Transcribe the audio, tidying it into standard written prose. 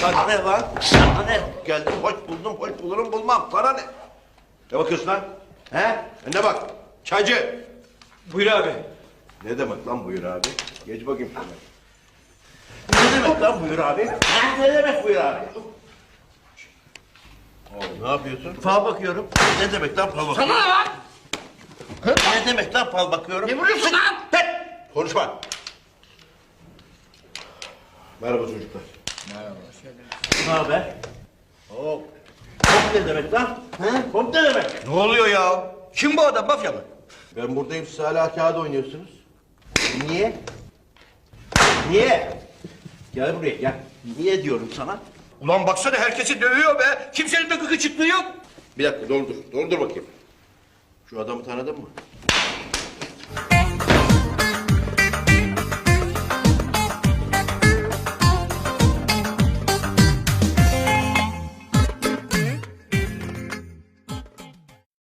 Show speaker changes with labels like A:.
A: Sana ne lan? Sana ne? Geldim hoş buldum, hoş bulurum bulmam. Sana ne? Ne bakıyorsun lan? He? Ne bak? Çaycı.
B: Buyur abi.
A: Ne demek lan buyur abi? Geç bakayım şuna. Ne demek lan buyur abi? Ha, ne demek buyur abi? Oğlum ne yapıyorsun? Fal bakıyorum. Ne demek lan fal bakıyorum?
B: Sana ne lan?
A: Ne demek lan fal bakıyorum?
B: Ne vuruyorsun lan?
A: Konuşma. Merhaba çocuklar.
B: Merhaba.
A: Ne haber? Hop. Hop ne demek lan? He? Hop ne demek?
B: Ne oluyor ya? Kim bu adam, mafya mı?
A: Ben buradayım, siz hala kağıt oynuyorsunuz. Niye? Niye? Gel buraya gel. Niye diyorum sana?
B: Ulan baksana herkesi dövüyor be. Kimsenin de gıkı çıktığı yok.
A: Bir dakika, doldur bakayım. Şu adamı tanıdın mı?